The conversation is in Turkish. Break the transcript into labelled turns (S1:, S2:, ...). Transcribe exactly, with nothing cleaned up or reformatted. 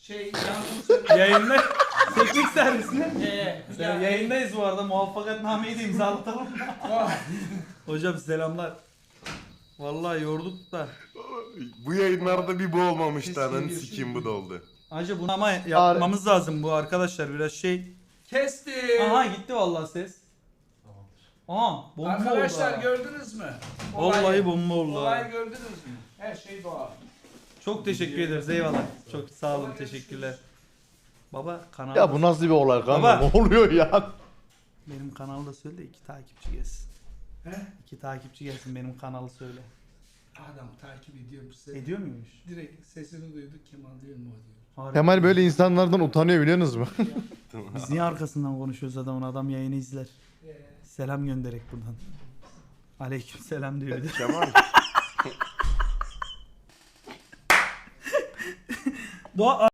S1: Şey yansın
S2: Yayında teknik servisine.
S1: Ee,
S2: Ya, yayındayız bu arada. Muvaffakatnameyi de imzalatalım. Hocam selamlar. Vallahi yorduk da.
S3: Bu yayınlarda bir bu olmamıştı
S1: Kesin
S3: ananı
S1: diyorsun.
S3: sikeyim bu da oldu.
S2: Hacı bunu ama yapmamız lazım bu arkadaşlar biraz şey.
S1: Kestim.
S2: Aha gitti vallahi ses. Aha bomba
S1: Arkadaşlar
S2: oldu. ha.
S1: gördünüz mü?
S2: Vallahi
S1: Olayı-
S2: bomba oldu. ha.
S1: Olayı gördünüz mü? Her şey doğal.
S2: Çok teşekkür ederiz eyvallah. Çok sağ olun teşekkürler. Baba kanal.
S4: Ya bu nasıl bir olay kanka?
S2: Baba.
S4: Ne oluyor ya?
S2: Benim kanalı söyle de iki takipçi gelsin.
S1: He?
S2: İki takipçi gelsin benim kanalı söyle.
S1: Adam takip ediyormuş seni.
S2: Ediyor muymuş?
S1: Direkt sesini duyduk Kemal diyor mu o diyor.
S2: Harbi.
S4: Kemal böyle insanlardan utanıyor biliyorsunuz mu?
S2: Biz niye arkasından konuşuyoruz adamın, adam yayını izler.
S1: Ee,
S2: Selam gönderek buradan. Aleyküm selam diyor bir de.
S3: Kemal.
S2: Doğa